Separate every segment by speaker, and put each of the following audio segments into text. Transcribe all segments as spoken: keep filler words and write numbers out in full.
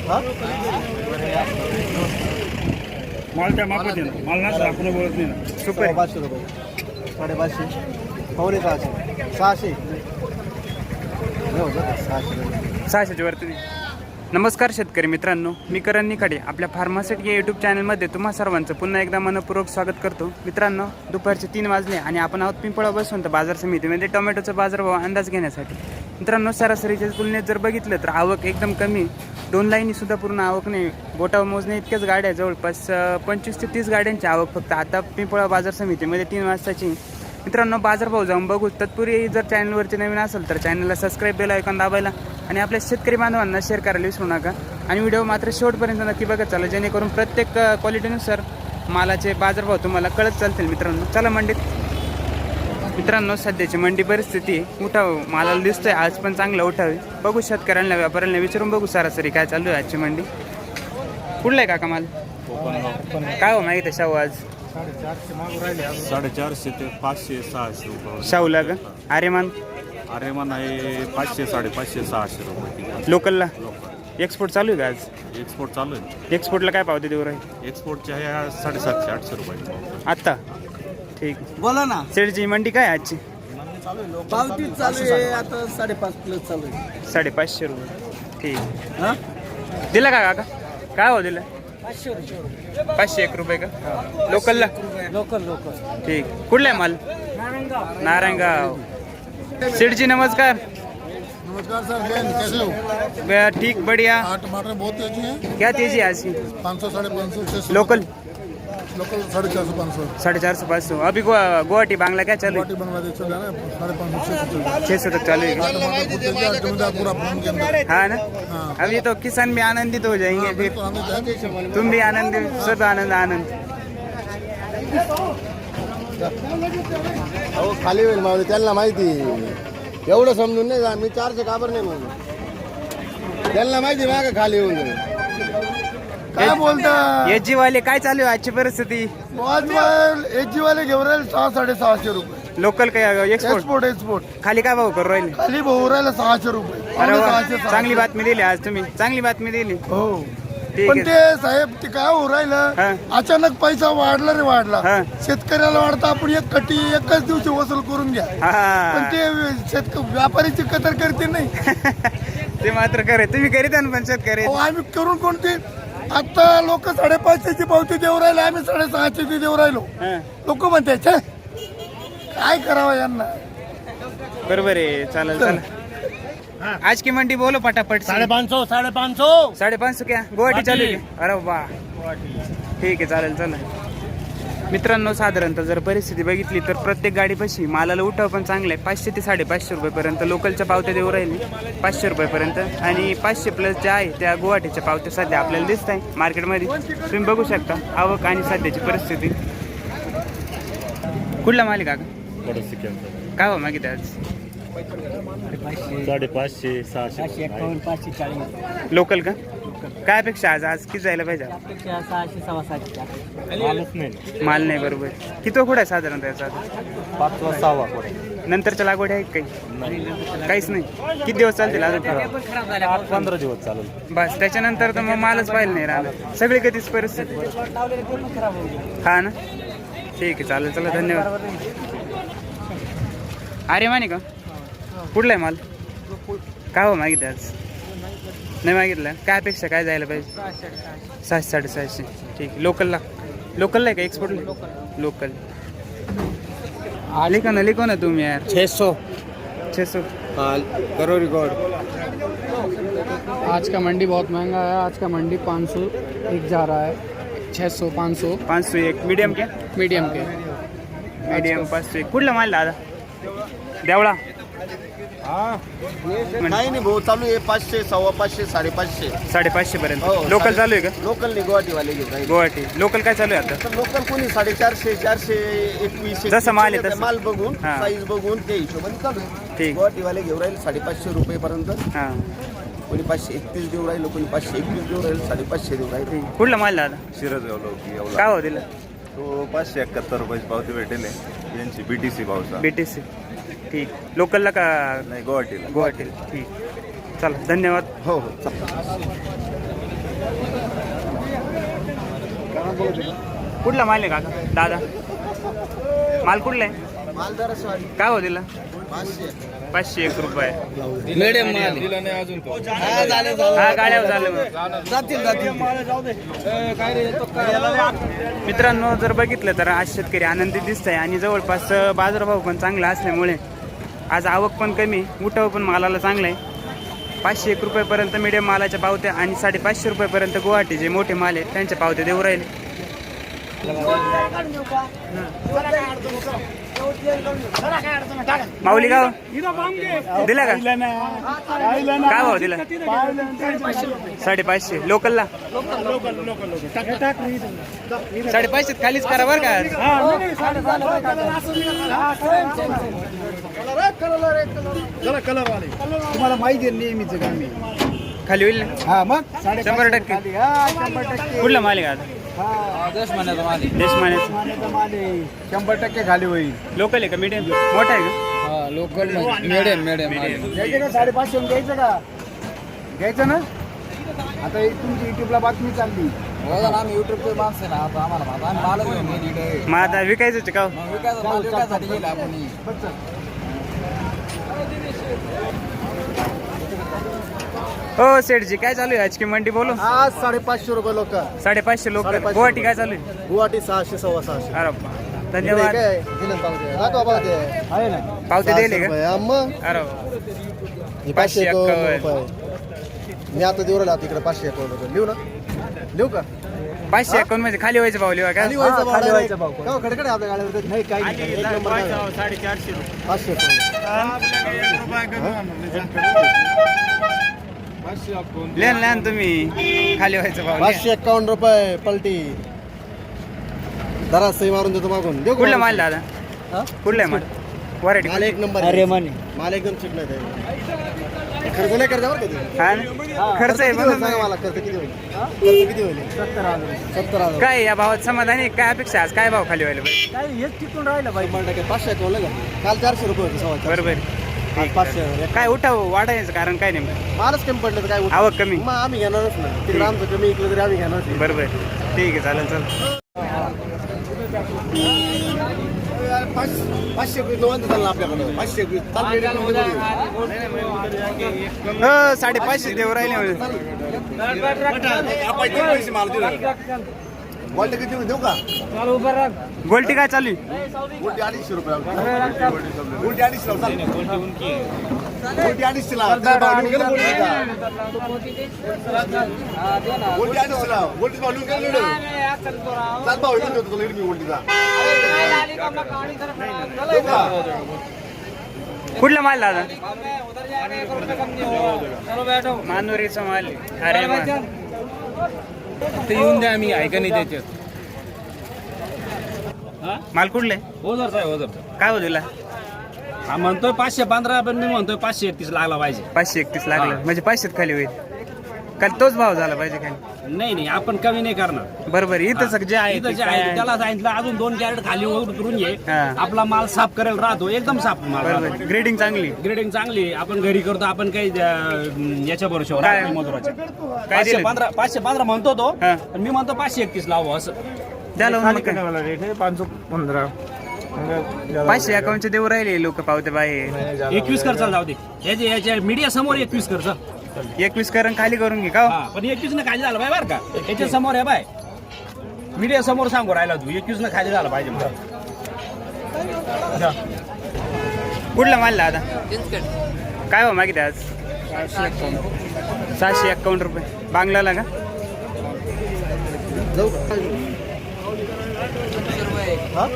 Speaker 1: माल त्या मापात आहे ना, माल ना आपण बोलत नाही ना.
Speaker 2: सुपर पाचशे रुपये, साडेपाचशे, पावणे सहाशे, सहाशे सहाशे
Speaker 3: सहाशेच्या वरती. नमस्कार शेतकरी मित्रांनो, मी करण निखाडे आपल्या फार्मासिटी या यूट्यूब चॅनलमध्ये तुम्हा सर्वांचं पुन्हा एकदा मनपूर्वक स्वागत करतो. मित्रांनो, दुपारचे तीन वाजले आणि आपण आहोत पिंपळा बसून तर बाजार समितीमध्ये टोमॅटोचा बाजारभाव अंदाज घेण्यासाठी. मित्रांनो, सरासरीच्या तुलनेत जर बघितलं तर आवक एकदम कमी, दोन लाईनीसुद्धा पूर्ण आवक नाही. बोटावर मोजणे इतक्याच गाड्या, जवळपास पंचवीस ते तीस गाड्यांची आवक फक्त आता पिंपळा बाजार समितीमध्ये तीन वाजताची. मित्रांनो, बाजारभाव जाऊन बघू. तत्पूर्वी जर चॅनलवरती नवीन असेल तर चॅनलला सबस्क्राईब बेल आयकॉन दाबायला आणि आपल्या शेतकरी बांधवांना शेअर करायला विसरू नका. आणि व्हिडिओ मात्र शेवटपर्यंत नक्की बघत चाला, जेणेकरून प्रत्येक क्वालिटीनुसार मालाचे बाजारभाव तुम्हाला कळत चालतील. मित्रांनो, चला मंडीत. मित्रांनो, सध्याची मंडी परिस्थिती उठाव मालाला दिसतोय, आज पण चांगलं उठावे. बघू शेतकऱ्यांना व्यापाऱ्यांना विचारून बघू सरासरी काय चालू आहे आजची मंडी. कुठला आहे काका माल? काय हो माहिती आहे शाहू आज?
Speaker 1: साडेचारशे ते पाचशे सहाशे रुपये
Speaker 3: शाहूला का? आर्यमान
Speaker 1: आर्यमान आहे पाचशे साडेपाचशे सहाशे रुपये.
Speaker 3: लोकलला एक्सपोर्ट चालू आहे का आज?
Speaker 1: एक्सपोर्ट चालू आहे.
Speaker 3: एक्सपोर्टला काय पावते देऊ राहील?
Speaker 1: एक्सपोर्टचे आहे साडेसातशे आठशे रुपये
Speaker 3: आत्ता. ठीक,
Speaker 2: बोला ना.
Speaker 3: शेडची मंडी काय आहे आजची?
Speaker 2: पावती चालू आहे आता साडेपाच प्लस चालू आहे.
Speaker 3: साडेपाचशे रुपये. ठीक,
Speaker 2: हा
Speaker 3: दिला का काका? काय हो दिलं?
Speaker 2: पाचशे रुपये
Speaker 3: पाचशे एक रुपये का लोकलला?
Speaker 2: Local local.
Speaker 3: ठीक, कुठला आहे माल? नारायणगाव. सेठजी नमस्कार.
Speaker 4: नमस्कार सर, कैसे हो?
Speaker 3: बे- ठीक, बढ़िया.
Speaker 4: हाँ, टमाटर बहुत तेजी है.
Speaker 3: क्या तेजी है आज की?
Speaker 4: पाँच सौ साढ़े पाँच सौ छः सौ
Speaker 3: लोकल
Speaker 4: लोकल साढ़े चार सौ पाँच सौ.
Speaker 3: साढ़े चार सौ पाँच सौ. अभी गुवा- गुवाहाटी बांग्ला क्या चालू है?
Speaker 4: गुवाहाटी बांग्लादेश चल रहा है ना, साढ़े पाँच सौ छः सौ चल रहा है.
Speaker 3: छः सौ तक चालू है.
Speaker 4: हाँ, टमाटर बहुत तेजी है, जमींदार पूरा फार्म के अंदर.
Speaker 3: हाँ ना,
Speaker 4: हाँ.
Speaker 3: अभी तो किसान भी आनंदित हो जाएंगे, फिर
Speaker 4: तो हमें जाएंगे.
Speaker 3: तुम भी आनंदित, सब आनंद आनंद.
Speaker 2: अहो खाली होईल मावली, त्यांना माहिती. एवढं समजून नाही जा, मी चारशे काबर नाही म्हणून. त्यांना माहिती माग खाली होऊन जाईल. काय बोलता?
Speaker 3: एच जी वाले काय चालू आहे आजची परिस्थिती?
Speaker 4: एच जी वाले घेऊन राहिले सहा साडेसहाशे रुपये.
Speaker 3: लोकल काय एक्सपोर्ट?
Speaker 4: एक्सपोर्ट एक्सपोर्ट
Speaker 3: खाली काय भाव करू राहिले?
Speaker 4: खाली भाऊ राहिला सहाशे रुपये.
Speaker 3: अरे
Speaker 4: पावणे
Speaker 3: वा,
Speaker 4: सहाशे, सहाशे.
Speaker 3: चांगली बातमी दिली आज तुम्ही, चांगली बातमी दिली.
Speaker 4: हो,
Speaker 3: ठीक
Speaker 4: पण
Speaker 3: आहे.
Speaker 4: ते साहेब ते काय होऊ राहिलं,
Speaker 3: हा.
Speaker 4: अचानक पैसा वाढला रे वाढला.
Speaker 3: हा.
Speaker 4: शेतकऱ्याला वाढता आपण एक कटी एकच दिवशी वसूल करून घ्या, पण
Speaker 3: हा.
Speaker 4: ते शेतक व्यापारीची कदर करते नाही.
Speaker 3: ते मात्र करे, तुम्ही करीत ना पण शेतकरी.
Speaker 4: अहो, आम्ही करून कोणते आता लोक साडेपाचशेची पावती देऊ राहिले, आम्ही साडेसहाशेची देऊ राहिलो.
Speaker 3: हा.
Speaker 4: लोक म्हणते "छे, काय करावं यांना.
Speaker 3: बरोबर आहे, चालेल चालेल. आज की मंडी बोलो पटापट.
Speaker 4: साढ़े पाँच सौ साढ़े पाँच सौ
Speaker 3: साढ़े पाच सौ क्या गुवाहाटी चालू आहे? अरे वा, ठीक आहे, चालेल चालेल. मित्रांनो, साधारणतः जर परिस्थिती बघितली तर प्रत्येक गाडीपाशी मालाला उठाव पण चांगला आहे. पाचशे ते साडेपाचशे रुपयेपर्यंत लोकलच्या पावत्या देऊ राहिली, पाचशे रुपयेपर्यंत. आणि पाचशे प्लस ज्या आहे त्या गुवाहाटीच्या पावत्या सध्या आपल्याला दिसत आहे मार्केटमध्ये. तुम्ही बघू शकता आवक आणि सध्याची परिस्थिती. कुठला मालिक का? काय हो मागित आज?
Speaker 1: साडेपाचशे सहाशे
Speaker 3: लोकल का? काय अपेक्षा आज? आज किती जायला पाहिजे?
Speaker 2: सहाशे सव्वा सातशे.
Speaker 1: मालच नाही.
Speaker 3: माल नाही, बरोबर. किती कुठं आहे साधारणतः याचा?
Speaker 1: पाचवा सहावा
Speaker 3: नंतरच्या लागवड आहे काही? काहीच नाही. किती दिवस चालतील अजून?
Speaker 1: आठ पंधरा दिवस चालेल.
Speaker 3: बस, त्याच्यानंतर तर मग मालच पाहिलं नाही राहिलं. सगळी कधीच परिस्थिती. हा ना, ठीक आहे, चालेल. चला, धन्यवाद. अरे माने का? कुठला आहे माल? काय हो मागितलं आज? नाही मागितलं. काय अपेक्षा काय जायला पाहिजे? सहाशे साडेसहाशे. ठीक आहे. लोकलला लोकलला आहे का एक्सपोर्टला? लोकल. लिखो ना, लिखो ना तुम्ही यार.
Speaker 2: छः सौ
Speaker 3: छः सौ
Speaker 2: करो रिकॉर्ड.
Speaker 5: आज का मंडी बहुत महंगा है. आज का मंडी पाँच सौ एक जा रहा है. छः सौ पाँच सौ
Speaker 3: पाच सौ एक. मीडियम क्या?
Speaker 5: मीडियम के.
Speaker 3: मीडियम पाच सौ एक. कुठला माल दादा? देवळा.
Speaker 2: काही नाही भाऊ, चालू आहे पाचशे सव्वा पाचशे साडेपाचशे.
Speaker 3: साडेपाचशे पर्यंत.
Speaker 2: हो,
Speaker 3: लोकल
Speaker 2: साडे-
Speaker 3: चालू आहे का?
Speaker 2: लोकल नाही, गुवाहाटीवाले घेऊन राहिले.
Speaker 3: गुवाहाटी लोकल काय चालू आहे आता?
Speaker 2: तर लोकल कोणी साडेचारशे चारशे एकवीस
Speaker 3: जसं माल आहे तसं.
Speaker 2: माल बघून
Speaker 3: हा.
Speaker 2: साईज बघून ते हिशोबाने चालू आहे.
Speaker 3: ठीक.
Speaker 2: गुवाहाटीवाले घेऊन राहिले साडेपाचशे रुपये पर्यंत.
Speaker 3: हां,
Speaker 2: कोणी पाचशे एकतीस देऊ राहिलो, कोणी पाचशे एकवीस देऊ राहिलो, साडेपाचशे देऊ राहिले.
Speaker 3: ठीक. कुठला माल दादा?
Speaker 1: शिरज एवढा
Speaker 3: काय हो दिला?
Speaker 1: तो पाचशे एकाहत्तर रुपयाची पावती भेटेल आहे. यांची बीटीसी भावचा.
Speaker 3: बीटीसी. ठीक. लोकलला का
Speaker 1: नाही, गुवाहाटीला.
Speaker 3: गुवाहाटी? ठीक, चला, धन्यवाद.
Speaker 2: हो हो.
Speaker 3: कुठला माल आहे काका दादा? माल कुठला आहे? काय हो दिला? पाचशे एक रुपये.
Speaker 2: मिडियम
Speaker 3: हा गाड्यावर झालं मग. मित्रांनो जर बघितलं तर आज शेतकरी आनंदी दिसत आहे आणि जवळपास बाजारभाव पण चांगला असल्यामुळे आज आवक पण कमी, उठाव पण मालाला चांगला आहे. पाचशे एक रुपयेपर्यंत मिडियम मालाच्या पावत्या आणि साडेपाचशे रुपयेपर्यंत गुवाहाटी जे मोठे माल आहेत त्यांच्या पावत्या देऊ राहिले. माऊली गाव दिला का? काय भाव दिला? साडेपाचशे. लोकलला साडेपाचशे खालीच करा बरं का.
Speaker 4: तुम्हाला माहिती आहे नेहमीच काम
Speaker 3: खाली होईल ना?
Speaker 4: हा मग
Speaker 3: शंभर टक्के. कुठला माल आहे का आता?
Speaker 5: देशमान्याचा माल
Speaker 3: देशमान्याचा.
Speaker 4: शंभर टक्के खाली होईल.
Speaker 3: लोकल आहे का मीडियम? मोठा आहे का?
Speaker 5: लोकल मिडियम मिडियम
Speaker 4: घ्यायचं का साडेपाचशे घ्यायचं का? घ्यायचं ना. आता ही तुमची युट्यूबला बातमी चालली.
Speaker 5: आम्ही युट्यूबचे माणसं ना आता आम्हाला माल आम्ही मालच घेऊन गेली इकडे.
Speaker 3: मग आता विकायचं का हो?
Speaker 5: मग विकायचं माल विकायसाठी गेला आपण.
Speaker 3: हो सेठजी काय चालू आहे आज की मंडी बोलू?
Speaker 2: आज साडेपाचशे रुपये लोक.
Speaker 3: साडेपाचशे लोक.
Speaker 2: साडेपाचशे
Speaker 3: गुवाहाटी काय चालू आहे?
Speaker 2: गुवाहाटी सहाशे सव्वा सहाशे.
Speaker 3: अरे बा. धन्यवाद.
Speaker 2: काय दिलं पावते? दाखवा पावते. आहे ना
Speaker 3: पावते दिले का?
Speaker 2: रुपये. हा, मग
Speaker 3: अरे वा.
Speaker 2: हे
Speaker 3: पाचशे
Speaker 2: पाचशे एकावन्न
Speaker 3: एक्कावन्न.
Speaker 2: रुपये. मी आता देऊ राहिला तिकडे पाचशे एकावन्न रुपये. लिहू ना? लिहू का?
Speaker 3: पाचशे अकाउंट म्हणजे खाली व्हायचं भाव लिहा का?
Speaker 2: खाली व्हायचा
Speaker 4: हा,
Speaker 2: भाव
Speaker 4: खाली
Speaker 2: direct.
Speaker 4: व्हायचा भाव.
Speaker 2: हो, खडखडे आपल्या गाड्यावर नाही काही नाही. एक नंबर गाडी.
Speaker 3: साडेचारशे
Speaker 2: पाचशे एकावन्न.
Speaker 3: लिहा लिहा तुम्ही खाली व्हायचं भाव लिहा.
Speaker 2: पाचशे एकावन्न रुपये पलटी. दरा सही मारून देतो मागून. देऊ का
Speaker 3: कुठला
Speaker 2: माल?
Speaker 3: माल दादा? कुठला आहे माल? वरायटी
Speaker 2: माल एक नंबर.
Speaker 4: अरे माने
Speaker 2: माल एकदम चिकन आहे. खर्च नाही करता बरं का तुम्ही.
Speaker 3: हा ना? खर्च आहे
Speaker 2: किती होईल
Speaker 3: पण
Speaker 2: सांगा मला. खर्च किती होईल? खर्च किती होईल?
Speaker 4: सत्तर हजार
Speaker 2: सत्तर हजार.
Speaker 3: काय या भावात समाधानी आहे? काय अपेक्षा आहे? आज काय भाव खाली व्हायला पाहिजे?
Speaker 4: काय हेच टिकून राहिलं बाई.
Speaker 2: शंभर टक्के पाचशे एकावन्न का? काल चारशे रुपये होते सव्वा चारशे.
Speaker 3: बरोबर.
Speaker 2: आज पाचशे हजार.
Speaker 3: काय उठाव वाढायचं कारण काय नेमकं?
Speaker 2: मालच कमी पडलं तर काय होतं?
Speaker 3: आवक कमी.
Speaker 2: मग आम्ही घेणारच ना. तिकडे आमचं कमी इकडे तरी आम्ही घेणारच नाही.
Speaker 3: बरोबर ठीक आहे चालेल चालेल.
Speaker 2: पाच- पाचशे एकवीस निवांत चाललं आपल्याकडं. पाचशे एकवीस चाललं रेडी करून देऊ.
Speaker 3: हो साडेपाचशे देऊ राहिले म्हणजे.
Speaker 2: पैसे माल दिला. क्वालिटी किती होईल? देऊ का?
Speaker 3: गोल्टी काय चालू आहे?
Speaker 2: गोल्टी अडीचशे रुपये. गोल्टी अडीचशे लाव. चालेल. गोल्टी अडीचशे लाव. त्याचा भाव लिहून गेला गोल्टीचा. गोल्टी अडीचशे लाव. गोल्टीचा भाव लिहून गेला लिहून. चाल भाव लिहून देतो तुला लिहून मी गोल्टीचा. देऊ का?
Speaker 3: कुठला माल दादा? मानुरीचा माल आहे. अरे वा.
Speaker 5: ते येऊन द्या आम्ही ऐका नाही त्याच्यात.
Speaker 3: माल कुठले?
Speaker 6: हो जर साहेब हो जर
Speaker 3: काय हो दिला?
Speaker 6: हा म्हणतोय पाचशे पंधरा पण मी म्हणतोय पाचशे एकतीस लागला पाहिजे.
Speaker 3: पाचशे एकतीस लागलं म्हणजे पाचशेत खाली होईल. काल तोच भाव झाला पाहिजे खाली.
Speaker 6: नाही नाही आपण कमी नाही करणार.
Speaker 3: बरोबर इथं जे आहे
Speaker 6: इथं
Speaker 3: ते
Speaker 6: जे
Speaker 3: काय
Speaker 6: आहे
Speaker 3: आहे?
Speaker 6: त्याला सांगितलं अजून दोन कॅरेट खाली उतरून घे.
Speaker 3: हा.
Speaker 6: आपला माल साफ करायला राहतो एकदम साफ माल
Speaker 3: बरोबर
Speaker 6: राहतो.
Speaker 3: ग्रेडिंग चांगली.
Speaker 6: ग्रेडिंग चांगली आपण घरी करतो आपण काही अं, याच्या बरोबर
Speaker 3: काय?
Speaker 6: मधुराच्या
Speaker 3: काय
Speaker 6: पाचशे
Speaker 3: दिलं?
Speaker 6: पंधरा पाचशे पंधरा म्हणतो तो
Speaker 3: हा.
Speaker 6: पण मी म्हणतो पाचशे एकतीस लावू असं.
Speaker 3: द्या लावून मग काय.
Speaker 4: पाचशे पंधरा
Speaker 3: पाचशे अकाउंटचे देऊ राहिले लोक पावते बाहेर.
Speaker 6: एकवीस कर चाल जाऊ दे याच्या याच्या मीडिया समोर एकवीस कर चल.
Speaker 3: एकवीस करून खाली करून घे का हो?
Speaker 6: हा पण एकवीस न खाली झालं पाहिजे बरं का. याच्या समोर आहे बाय मीडिया समोर सांगू राहिला तू एकवीस न खाली झालं पाहिजे मला.
Speaker 3: कुठला माल दादा? काय हो मागितले आज? सहाशे एक्कावन्न रुपये. बांगलाला का?
Speaker 2: जाऊ का? हा?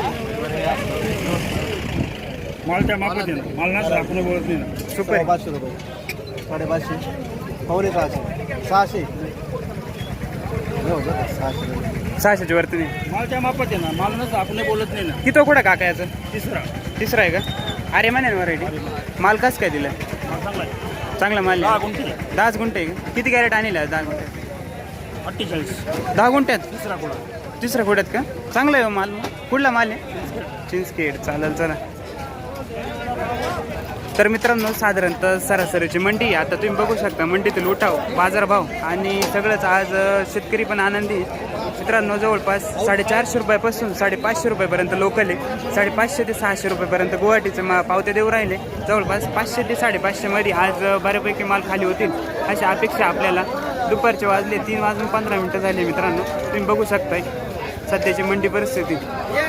Speaker 6: मालच्या मापात माल ना आपण बोलत नाही ना.
Speaker 3: सुपर.
Speaker 2: पाचशे रुपये. साडेपाचशे. पावणे सहाशे. सहाशे. नाही होत का? सहाशे रुपये.
Speaker 3: सहाशेच्या वरती नाही.
Speaker 6: मालच्या मापात आहे ना माल नसतं आपण बोलत नाही ना.
Speaker 3: किती कुठं काका याचं?
Speaker 6: तिसरा
Speaker 3: तिसरा आहे का? अरे म्हणे ना व्हरायटी. माल कसं काय दिलं?
Speaker 6: चांगला आहे.
Speaker 3: चांगला माल
Speaker 6: दहा
Speaker 3: आहे.
Speaker 6: गुंठे
Speaker 3: दहाच गुंठे आहे का? किती कॅरेट आणले आज? दहा गुंठे.
Speaker 6: अठ्ठेचाळीस
Speaker 3: दहा गुंठ्यात
Speaker 6: तिसरा कुठं
Speaker 3: तिसऱ्या खोड्यात का? चांगला आहे हो माल. कुठला माल आहे? चिंचखेड. चालेल चला. तर मित्रांनो साधारणतः सरासरीची मंडी आहे. आता तुम्ही बघू शकता मंडीतील उठाव बाजारभाव आणि सगळंच आज अ, शेतकरी पण आनंदी आहे. मित्रांनो जवळपास साडेचारशे रुपयापासून साडेपाचशे रुपयापर्यंत लोकल आहे. साडेपाचशे ते सहाशे रुपयापर्यंत गुवाहाटीचे मा पावते देऊ राहिले. जवळपास पाचशे ते साडेपाचशेमध्ये आज अ, बऱ्यापैकी माल खाली होतील अशी अपेक्षा आपल्याला. दुपारचे वाजले तीन वाजून पंधरा मिनटं झाली मित्रांनो. तुम्ही बघू शकताय सध्याची मंडी परिस्थिती.